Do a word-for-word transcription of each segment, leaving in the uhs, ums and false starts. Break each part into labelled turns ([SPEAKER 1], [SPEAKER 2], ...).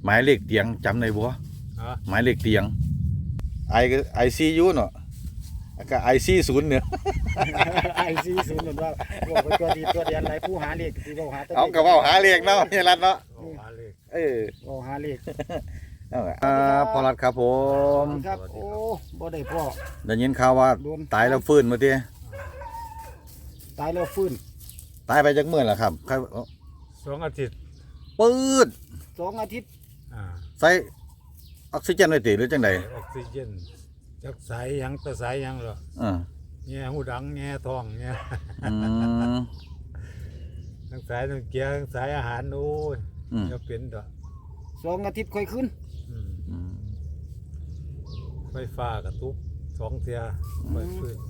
[SPEAKER 1] หมายเลขเตียงจำได้บ่
[SPEAKER 2] ฮะ
[SPEAKER 1] หมายเลขเตียงไอก็ไอซียูเนาะก็ไอซีศูนย์เนี่ย
[SPEAKER 3] ไอซีศูนย์เหมือนว่าบอกไปตัวดีตัวเดียนไรผู้หาเลขที่บอกหาตัว
[SPEAKER 1] เอากระเป๋าหาเลขเนาะเฮียรัตเนาะ
[SPEAKER 2] โอ้หาเลข
[SPEAKER 1] เออ
[SPEAKER 3] บอกหาเลข
[SPEAKER 1] เอาอ่าพอรัตครับผม
[SPEAKER 3] ครับโอ้บ่ได้พ่อ
[SPEAKER 1] ได้ยินข่าวว่า
[SPEAKER 3] โดน
[SPEAKER 1] ตายแล้วฟื้นมาที
[SPEAKER 3] ตายแล้วฟื้น
[SPEAKER 1] ตายไปจากเมื่อแล้วครับใคร
[SPEAKER 2] สองอาทิตย์
[SPEAKER 1] ปื๊ด
[SPEAKER 3] สองอาทิตย์
[SPEAKER 2] อ่า
[SPEAKER 1] ใส่ออกซิเจนไว้ติหรือจังได
[SPEAKER 2] ออกซิเจนจักสายหยังตะสายหยังเหรอ
[SPEAKER 1] อ่า
[SPEAKER 2] แง่หูดังแง่ทองแง่
[SPEAKER 1] อืม
[SPEAKER 2] ทั้งสายทั้งเกียร์ทั้งสายอาหารโอ้ย
[SPEAKER 1] อืม
[SPEAKER 2] จะเป็นดอก
[SPEAKER 3] สองอาทิตย์ค่อยขึ้น
[SPEAKER 2] อืม
[SPEAKER 1] อืม
[SPEAKER 2] ไฟฟ้ากระตุกสองเทียไฟฟื้น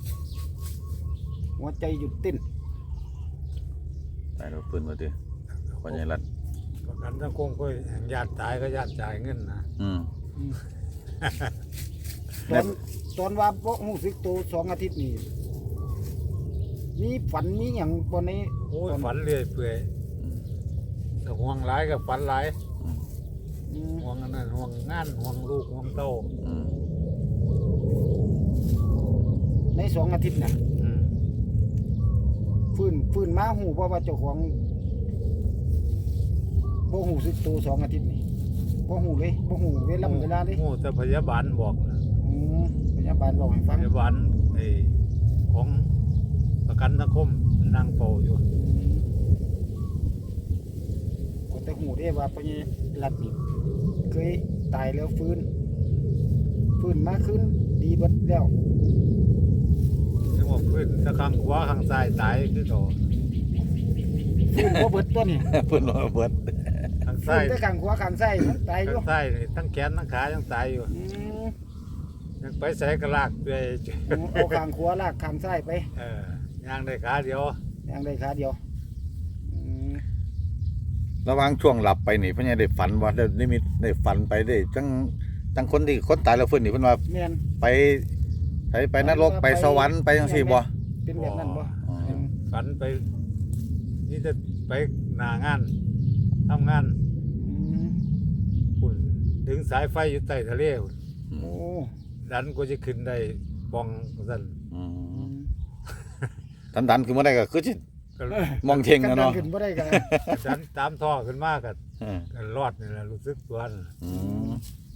[SPEAKER 3] หัวใจหยุดเต้น
[SPEAKER 1] ตายแล้วฟื้นมาทีพอใหญ่รัต
[SPEAKER 2] ประกันสังคมก็แห่งญาติตายก็ญาติจ่ายเงินนะ
[SPEAKER 1] อืม
[SPEAKER 3] ตอนตอนว่าบ่รู้สึกตัวสองอาทิตย์นี่มีฝันมีหยังบ่ใน
[SPEAKER 2] โอ้ยฝันเรื่อยเปื่อยแต่ห่วงหลายกับฝันหลาย
[SPEAKER 3] อืม
[SPEAKER 2] ห่วงอันนั้นห่วงงานห่วงลูกห่วงเต้า
[SPEAKER 1] อืม
[SPEAKER 3] ในสองอาทิตย์น่ะ
[SPEAKER 2] อืม
[SPEAKER 3] ฟื้นฟื้นมาหูเพราะว่าเจ้าของบ่หูสึกตัวสองอาทิตย์นี่บ่หูเลยบ่หูเวลาเวลาเลย
[SPEAKER 2] โอ้แต่พยาบาลบอกนะ
[SPEAKER 3] อืมพยาบาลบอกให้ฟัง
[SPEAKER 2] พยาบาลไอ้ของประกันสังคมนั่งเฝ้าอยู่
[SPEAKER 3] ก็แต่หูได้ว่าพญรัดนี่เคยตายแล้วฟื้น ฟื้นมาขึ้นดีเบิดแล้ว
[SPEAKER 2] ถึงว่าพื้นถ้าข้างขวาข้างซ้ายตายคือเขา
[SPEAKER 3] ฟื้นบ่เบิดตัวนี่
[SPEAKER 1] ฟื้นมาเบิด
[SPEAKER 2] ข้าง
[SPEAKER 3] ฟื้
[SPEAKER 2] ซ้าน ย
[SPEAKER 3] แต่ข้างขวาข้างซ้ายมันตายอยู่
[SPEAKER 2] ข้างซ้ายนี่ทั้งแขนทั้งขายังตายอยู่
[SPEAKER 3] อืม
[SPEAKER 2] ยังไปใส่กระลากไป
[SPEAKER 3] เอาข้างขวาลากข้างซ้ายไป
[SPEAKER 2] เออย่างได้ขาเดียว
[SPEAKER 3] อย่างใดขาเดียวอืม
[SPEAKER 1] ระหว่างช่วงหลับไปนี่เพิ่นยังได้ฝันว่าได้นิมิตได้ฝันไปได้จังจังคนที่คนตายแล้วฟื้นนี่เพิ่นว่า
[SPEAKER 3] แม่น
[SPEAKER 1] ไปไปไปนรกไปสวรรค์ไปจังซี่บ่
[SPEAKER 3] เป็นแบบนั้นบ่
[SPEAKER 1] อ๋อ
[SPEAKER 3] อืม
[SPEAKER 2] ฝันไป นี่จะไปหน้างานทำงาน
[SPEAKER 3] อืม
[SPEAKER 2] พุ่นถึงสายไฟอยู่ใต้ทะเลพุ่น
[SPEAKER 3] โอ้
[SPEAKER 2] ดันก็จะขึ้นได้ปองสั่น
[SPEAKER 1] อื
[SPEAKER 3] อื
[SPEAKER 1] ม
[SPEAKER 3] ม
[SPEAKER 1] ทันดันขึ้นมาได้ก็คือสิ
[SPEAKER 2] ก็
[SPEAKER 1] มองเท่ง
[SPEAKER 3] กั
[SPEAKER 1] นะ
[SPEAKER 3] น
[SPEAKER 1] เนาะ
[SPEAKER 3] ขึ้นบ่ได้กัน
[SPEAKER 2] ดันตามท่อขึ้นมากัน
[SPEAKER 1] เออ
[SPEAKER 2] กันรอดนี่แหละรู้สึกตัวนั่น
[SPEAKER 1] อืม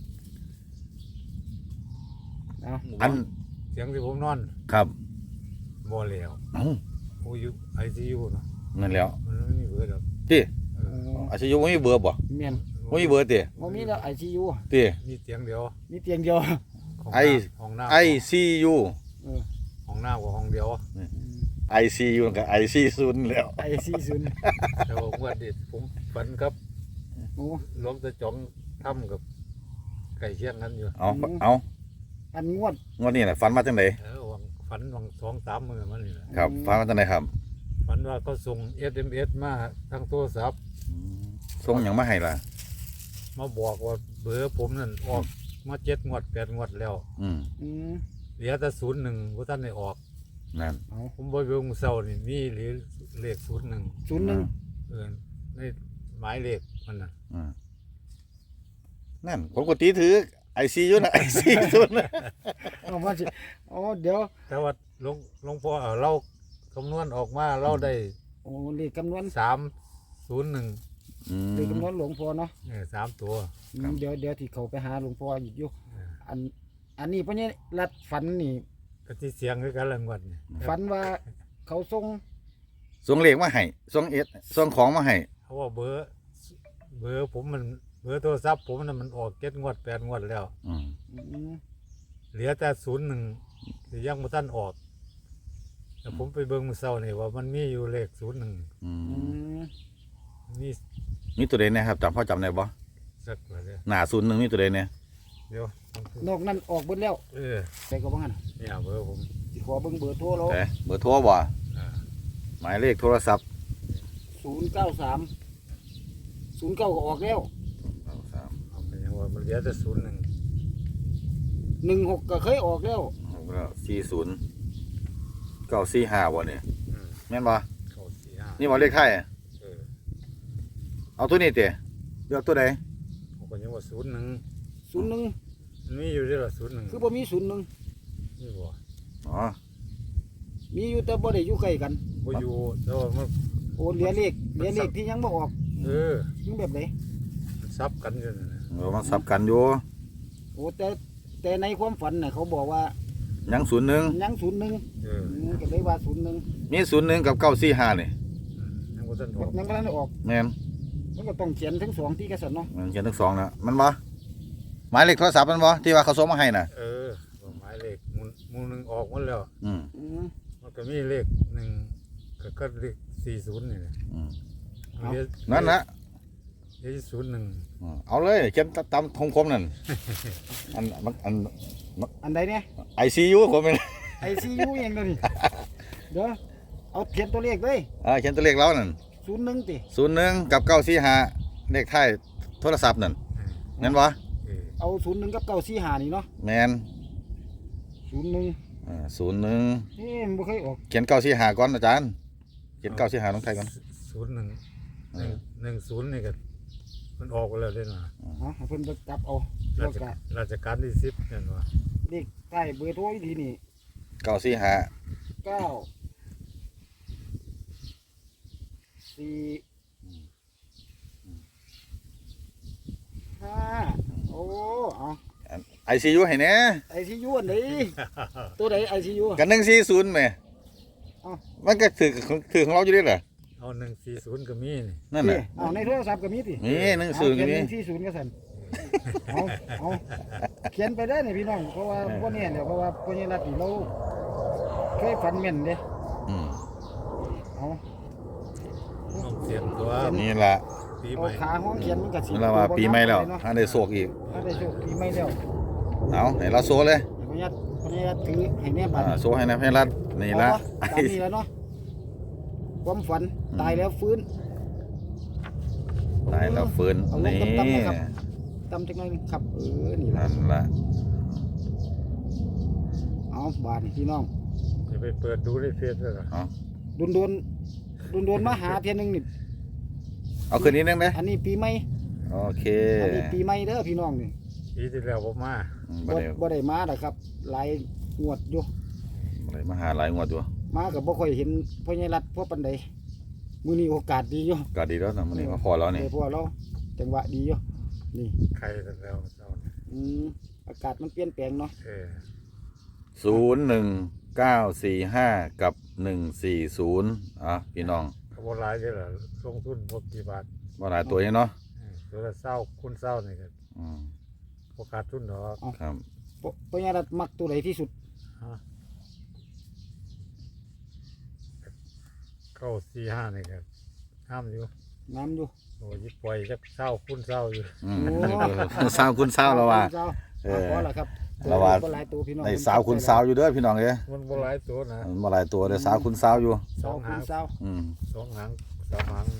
[SPEAKER 3] เอา
[SPEAKER 1] อัน
[SPEAKER 2] เสียงที่ผมนอน
[SPEAKER 1] ครับ
[SPEAKER 2] บ่แล้ว
[SPEAKER 1] เอ้า
[SPEAKER 2] โอ้ยไอซียูเนาะ
[SPEAKER 1] นั่นแล้ว
[SPEAKER 2] มันไม่มีเบอร์ดอก
[SPEAKER 1] ติ
[SPEAKER 2] เออ
[SPEAKER 3] โอ้
[SPEAKER 1] อาชีพบ่มีเบอร์บ่
[SPEAKER 3] แม่น
[SPEAKER 1] บ่มีเบอร์ติ
[SPEAKER 3] บ่มีแล้ว ไอ ซี ยู
[SPEAKER 1] ติ
[SPEAKER 2] มีเสียงเดียว
[SPEAKER 3] มีเตียงเดียว
[SPEAKER 2] ของ
[SPEAKER 1] ไอ
[SPEAKER 2] ห้องน้ำ
[SPEAKER 1] ไอซียู
[SPEAKER 3] เออ
[SPEAKER 2] ห้องน้ำกับห้องเดียว
[SPEAKER 1] ไอซียูกับไอซีศูนย์แล้ว
[SPEAKER 3] ไอซีศูนย์
[SPEAKER 2] แต่ว่าเมื่อเด็ดผมฝันครับ
[SPEAKER 3] โอ้
[SPEAKER 2] หลวงตาจ๋องทำกับไก่เชียงนั้นอยู่
[SPEAKER 1] เอาเอา
[SPEAKER 3] อันงวด
[SPEAKER 1] งวดนี้น่ะฝันมาจังได
[SPEAKER 2] เออวังฝันวังสองสามมือมันนี่แหละ
[SPEAKER 1] ครับฝันมาจังไดครับ
[SPEAKER 2] ฝันว่าเขาส่ง เอส เอ็ม เอส มาทางโทรศัพท์
[SPEAKER 1] ส่งหยังมาให้ล่ะ
[SPEAKER 2] มาบอกว่าเบอร์ผมนั่นออกมาเจ็ดงวดแปดงวดแล้ว
[SPEAKER 1] อืม
[SPEAKER 3] อืม
[SPEAKER 2] เหลือแต่ศูนย์หนึ่งว่าท่านได้ออก
[SPEAKER 1] นั่น
[SPEAKER 3] เอา
[SPEAKER 2] ผมบอยเบิ่งเศร้านี่มีหรือเลขศูนย์หนึ่ง
[SPEAKER 3] ศูนย์หนึ่ง
[SPEAKER 2] เออในหมายเลขมันน่ะ
[SPEAKER 1] อืมนั่นผมก็ตีถือไอซียูนะไอซีศูนย์
[SPEAKER 3] เอามาสิโอ้เดี๋ยว
[SPEAKER 2] แต่ว่าหลวงหลวงพ่อเอาเราคำนวณออกมาเราได้
[SPEAKER 3] โอ้เลขคำนวณ
[SPEAKER 2] สามศูนย์หนึ่ง
[SPEAKER 1] อืม
[SPEAKER 3] เลขคำนวณหลวงพ่อเนาะ
[SPEAKER 2] เนี่ยสามตัว
[SPEAKER 3] อืม
[SPEAKER 1] ครับ
[SPEAKER 3] เดี๋ยวเดี๋ยวที่เขาไปหาหลวงพ่ออีกอยู่
[SPEAKER 2] เออ
[SPEAKER 3] อัน อันนี้เพราะนี่รัดฝันนี่
[SPEAKER 2] ก็ที่เสียงคือกันละงวดนี่
[SPEAKER 3] ฝันว่าเขาส่ง
[SPEAKER 1] ส่งเลขมาให้ส่งเอสส่งของมาให้
[SPEAKER 2] เพราะว่าเบอร์เบอร์ผมมันเบอร์โทรศัพท์ผมน่ะมันออกเจ็ดงวดแปดงวดแล้ว
[SPEAKER 1] อืม
[SPEAKER 3] อืม
[SPEAKER 2] เหลือแต่ศูนย์หนึ่งที่ยังไม่ทันออกแต่ผมไปเบิ่งมือเศร้านี่ว่ามันมีอยู่เลขศูนย์หนึ่ง
[SPEAKER 1] อื
[SPEAKER 3] อื
[SPEAKER 1] ม
[SPEAKER 3] ม
[SPEAKER 2] มี
[SPEAKER 1] มีตัวใดเนะครับจำพ่อจำได้บ่
[SPEAKER 2] สักว่าเดียว
[SPEAKER 1] หน้าศูนย์หนึ่งมีตัวใดเนี่ย
[SPEAKER 2] เดี๋ยวน
[SPEAKER 3] อกนั้นออกเบิดแล้ว
[SPEAKER 2] เออ
[SPEAKER 3] ไปก็บ่งั้น
[SPEAKER 2] เนี่ยเบอร์ผม
[SPEAKER 3] สิขอเบิ่งเบอร์โทรเรา
[SPEAKER 1] แต่เบอร์โทรบ่
[SPEAKER 2] อ่า
[SPEAKER 1] หมายเลขโทรศัพท์
[SPEAKER 3] ศูนย์เก้าสามศูนย์เก้าก็ออกแล้ว
[SPEAKER 2] เอาไปยังว่ามันเหลือแต่ศูนย์หนึ่ง
[SPEAKER 3] หนึ่งหกก็เคยออกแล้ว
[SPEAKER 1] สี่ศูนย์เก้าสี่ห้าบ่เนี่ย
[SPEAKER 2] อืม
[SPEAKER 1] แม่นบ่
[SPEAKER 2] เข้าสี่ห้า
[SPEAKER 1] นี่บ่เลขไทยอะ
[SPEAKER 2] เออ
[SPEAKER 1] เอาตัวนี้เตะเลือกตัวใด
[SPEAKER 2] เก็ยังว่าศูนย์หนึ่ง
[SPEAKER 3] ศูนย์หนึ่ง
[SPEAKER 2] มันมีอยู่ด้วยละศูนย์หนึ่ง
[SPEAKER 3] คือบ่มีศูนย์หนึ่ง
[SPEAKER 2] นี่บ่
[SPEAKER 1] อ๋อ
[SPEAKER 3] มีอยู่แต่บ่ได้อยู่ใกล้กัน
[SPEAKER 2] บ่อยู่แต่ว่ามัน
[SPEAKER 3] โอ้เหลือเลขเหลือเลขที่ยังบ่ออก
[SPEAKER 2] เออ
[SPEAKER 3] มันแบบไหน
[SPEAKER 2] มันซับกันอยู่นั่นนะ
[SPEAKER 1] เออมันสับกันอยู่
[SPEAKER 3] โอ้แต่แต่ในความฝันน่ะเขาบอกว่า
[SPEAKER 1] ยังศูนย์หนึ่ง
[SPEAKER 3] ยังศูนย์หนึ่ง
[SPEAKER 2] เออ
[SPEAKER 3] อืมก็เลยว่าศูนย์หนึ่ง
[SPEAKER 1] มีศูนย์หนึ่งกับเก้าสี่ห้านี่
[SPEAKER 2] ยังบ่ทันออก
[SPEAKER 3] ยังกำลังออก
[SPEAKER 1] แม่น
[SPEAKER 3] มันก็ต้องเขียนทั้งสองที่กระสันเนาะ
[SPEAKER 1] มันเขียนทั้งสองนะมันบ่หมายเลขโทรศัพท์มันบ่ที่ว่าเขาส่งมาให้น่ะ
[SPEAKER 2] เออหมายเลขหมุนหมุนหนึ่งออกหมดแล้ว
[SPEAKER 1] อืม
[SPEAKER 3] อืม
[SPEAKER 2] มันก็มีเลขหนึ่งก็ก็เลขสี่ศูนย์นี่แหละ
[SPEAKER 1] อืม
[SPEAKER 3] เอา
[SPEAKER 2] เหลือ
[SPEAKER 1] นั่นนะ
[SPEAKER 2] เหลือศูนย์หนึ่ง
[SPEAKER 1] อืมเอาเลยเขียนตามคมๆนั่นอันมันอัน
[SPEAKER 3] อันใดเนี่ย
[SPEAKER 1] ไอซียูผมเป็น
[SPEAKER 3] ไอซียูเองเลยนี่เดี๋ยวเอาเขียนตัวเลขเลย
[SPEAKER 1] อ่าเขียนตัวเลขแล้วนั่น
[SPEAKER 3] ศูนย์หนึ่งติ
[SPEAKER 1] ศูนย์หนึ่งกับเก้าสี่ห้าเลขท้ายโทรศัพท์นั่นงั้นวะ
[SPEAKER 2] เออ
[SPEAKER 3] เอาศูนย์หนึ่งกับเก้าสี่หานี่เนาะ
[SPEAKER 1] แมน
[SPEAKER 3] ศูนย์หนึ่ง
[SPEAKER 1] อ่าศูนย์หนึ่ง
[SPEAKER 3] เอ๊ะมันบ่เคยออก
[SPEAKER 1] เขียนเก้าสี่ห้าก่อนอาจารย์เขียนเก้าสี่ห้าลงไทยก่อน
[SPEAKER 2] ศูนย์หนึ่งหนึ่งหนึ่งศูนย์นี่ก็มันออกไปแล้วเด้นะ
[SPEAKER 3] เอาให้เพิ่นไปจับเอา
[SPEAKER 2] รา
[SPEAKER 3] แล้ว
[SPEAKER 2] ช
[SPEAKER 3] ก็
[SPEAKER 2] ราชการที่สิบเนี่ยว่า
[SPEAKER 3] เลขใต้เบอร์โทรอีกทีนี่
[SPEAKER 1] เก้าสี่ห้า
[SPEAKER 3] เก้าสี่ห้าโอ้เอา
[SPEAKER 1] ไอซียูให้แหน่
[SPEAKER 3] ไอซียูอันไหนตัวไหนไอซียู
[SPEAKER 1] กันหนึ่งสี่ศูนย์ไหม
[SPEAKER 3] เอ้า
[SPEAKER 1] มันก็ถือถือของเราอยู่ด้วยเหรอ
[SPEAKER 2] เอาหนึ่งสี่ศูนย์ก็มีนี่
[SPEAKER 1] นั่น
[SPEAKER 3] นี่
[SPEAKER 1] น่ะ
[SPEAKER 3] เอาในโทรศัพท์ก็มีติ
[SPEAKER 1] นี่หนึ่งศูนย์
[SPEAKER 3] เอา
[SPEAKER 1] ก็
[SPEAKER 3] เขียน
[SPEAKER 1] มี
[SPEAKER 3] หนึ่งสี่ศูนย์ก็สั่นเอาเอาเขียนไปได้เนี่ยพี่น้องเพราะว่าพวกนี้เนี่ยเพราะว่าพวกนี้รัดนี่เราเคยฝันแม่นเด้
[SPEAKER 1] อืม
[SPEAKER 3] เอา
[SPEAKER 2] ต้องเตรียมตัว
[SPEAKER 1] นี่แหละ
[SPEAKER 2] ปี
[SPEAKER 3] เอา
[SPEAKER 2] ใหม่
[SPEAKER 3] ขาห้องเขียนมันก็สิ
[SPEAKER 1] นี่เราว่าปีใหม่แล้วอันได้โศกอีก
[SPEAKER 3] อันได้โชคปีใหม่แล้ว
[SPEAKER 1] เอาไหนเราโซ่เลย
[SPEAKER 3] เดี๋ยวพญาพญาถือให้แน่บัตร
[SPEAKER 1] อ่าโซ่ให้นะพี่รัฐนี่ละ
[SPEAKER 3] ตามนี้แล้วเนาะความฝันตายแล้วฟื้น
[SPEAKER 1] ตายแล้วฟื้น
[SPEAKER 3] เอาลง
[SPEAKER 1] นี่
[SPEAKER 3] ตำๆนะครับ ตำจักหน่อยหนึ่งครับเออนี่ละ
[SPEAKER 1] นั่นละ
[SPEAKER 3] เอาบาดนี่พี่น้อง
[SPEAKER 2] จะไปเปิดดูในเฟซเลยเหรอ
[SPEAKER 1] เอา
[SPEAKER 3] โดนโดนโดนโดนๆมาหาเพียงหนึงนี่
[SPEAKER 1] เอาคืนนี้นึงไหม
[SPEAKER 3] อันนี้ปีใหม่
[SPEAKER 1] โอเค
[SPEAKER 3] อันนี้ปีใหม่เด้อพี่น้องนี่
[SPEAKER 2] ปีที่แล้วผมมา
[SPEAKER 1] อืม
[SPEAKER 3] บ่
[SPEAKER 1] บ่ได้
[SPEAKER 3] บ่ได้มาดอกครับหลายงวดอยู่
[SPEAKER 1] บ่ได้มาหาหลายงวดอยู่
[SPEAKER 3] มาก็บ่ค่อยเห็นพ่อใหญ่รัฐพ่อปานใดมื้อนี้โอกาสดีอยู่
[SPEAKER 1] ก็ดีแล้วนะมันนี่มาพอแล้วนี่
[SPEAKER 3] เออพวกเราจังหวะดีอยู่นี่
[SPEAKER 2] ใครแล้วเจ้าเนี่ย
[SPEAKER 3] อืมอากาศมันเปลี่ยนแปลงเนาะ
[SPEAKER 2] เออ
[SPEAKER 1] ศูนย์หนึ่งเก้าสี่ห้ากับหนึ่งสี่ศูนย์อ่ะพี่น้อง
[SPEAKER 2] เขาบอกหลายเลยเหรอลงทุนพวกกี่บาท
[SPEAKER 1] ว่าหลายตัวนี้เนาะ
[SPEAKER 2] เออตัวละเศร้าคุณเศร้านี่ก็
[SPEAKER 1] อืม
[SPEAKER 2] โอกาสทุนดอก
[SPEAKER 1] ครับ
[SPEAKER 3] พ่อพ่อใหญ่รัฐมักตัวใดที่สุด
[SPEAKER 2] ฮะเข้าสี่ห้านี่ก็ห้ามอยู่
[SPEAKER 3] น้ำอยู่
[SPEAKER 2] โอ้ยปล่อยจักเศร้าคุณเศร้าอยู่
[SPEAKER 1] อืม
[SPEAKER 3] โอ้
[SPEAKER 1] สาวคุณสาวแล้วว่า
[SPEAKER 3] เจ้
[SPEAKER 1] เออ
[SPEAKER 3] พอแล้วครับ
[SPEAKER 1] เราว่า
[SPEAKER 3] บ่หลายตัวพี่น้อง
[SPEAKER 1] ในสาวคุณสาวอยู่เด้อพี่น้องเอ้ย
[SPEAKER 2] มันบ่หลายตัวนะ
[SPEAKER 1] มันบ่หลายตัวเด้อสาวคุณสาวอยู่
[SPEAKER 2] ส
[SPEAKER 3] สา
[SPEAKER 2] อ
[SPEAKER 3] ว
[SPEAKER 2] ง
[SPEAKER 3] คุ
[SPEAKER 2] หาง
[SPEAKER 3] ณสาว
[SPEAKER 1] อืม
[SPEAKER 2] สองหางสามหาง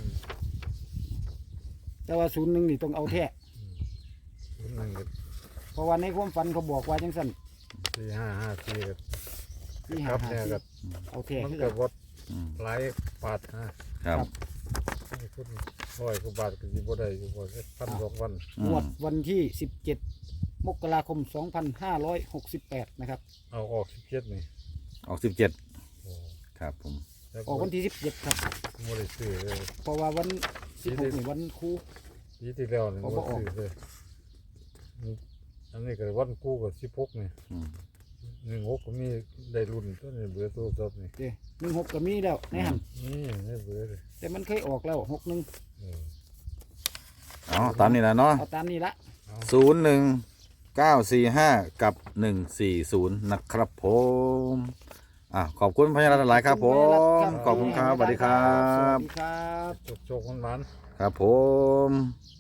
[SPEAKER 3] แต่ว่าศูนย์หนึ่งนี่ต้องเอาแท้
[SPEAKER 2] ศูนย์หนึ่งก็
[SPEAKER 3] เพราะว่าในความฝันเขาบอกว่าจังสั่น
[SPEAKER 2] สี่ห้าห้าสี่ก็
[SPEAKER 3] ที่
[SPEAKER 2] ค
[SPEAKER 3] หา
[SPEAKER 2] รับ
[SPEAKER 3] หา
[SPEAKER 2] เนี่ย
[SPEAKER 3] ที่
[SPEAKER 2] ก็
[SPEAKER 3] เอาแท้
[SPEAKER 2] มัน
[SPEAKER 3] คือ
[SPEAKER 2] ก็
[SPEAKER 3] กัน
[SPEAKER 2] วด
[SPEAKER 1] อืม
[SPEAKER 2] หลายบาทนะครับ ให้คุณร้อยกว่าบาทก็สิบ่ได้อยู่บ่ได้พันสองพัน
[SPEAKER 1] อื
[SPEAKER 3] งว
[SPEAKER 1] ม
[SPEAKER 3] ดวันที่สิบเจ็ดมกราคมสองพันห้าร้อยหกสิบแปดนะครับ
[SPEAKER 2] เอาออกสิบเจ็ดนี่
[SPEAKER 1] ออกสิบเจ็ด
[SPEAKER 2] โอ้
[SPEAKER 1] ครับผม
[SPEAKER 2] แล้ว
[SPEAKER 3] ออกวันที่สิบเจ็ดครับ
[SPEAKER 2] บ่ได้ซื้อเลย
[SPEAKER 3] เพราะว่าวันสิบหกนี่วันครู
[SPEAKER 2] ปีที่แล้วนี่
[SPEAKER 3] เอา
[SPEAKER 2] บ่
[SPEAKER 3] บ่ออก
[SPEAKER 2] ซื้อเลยนี่อันนี้ก็วันกู้ก็สิบหกนี่
[SPEAKER 1] อืม
[SPEAKER 2] หนึ่งหกก็มีได้รุ่นตัวนี้เบื่อตัวจบนี่
[SPEAKER 3] เด้หนึ่งหกก็มีแล้วในหัน
[SPEAKER 2] นี่ได้เบื่อเลย
[SPEAKER 3] แต่มันเคยออกแล้วหกหนึ่ง
[SPEAKER 2] เออ
[SPEAKER 1] เอาตามนี้นะเนาะ
[SPEAKER 3] เอาตามนี้ละ
[SPEAKER 1] ศูนย์หนึ่งเก้าสี่ห้ากับหนึ่งสี่ศูนย์นะครับผมอ่ะขอบคุณพญารัตน์หลายครับผมขอบคุณครับสวัสดีครั
[SPEAKER 3] สวั
[SPEAKER 1] บ
[SPEAKER 3] สดีครับ
[SPEAKER 2] โชคโชคมันมัน
[SPEAKER 1] ครับผม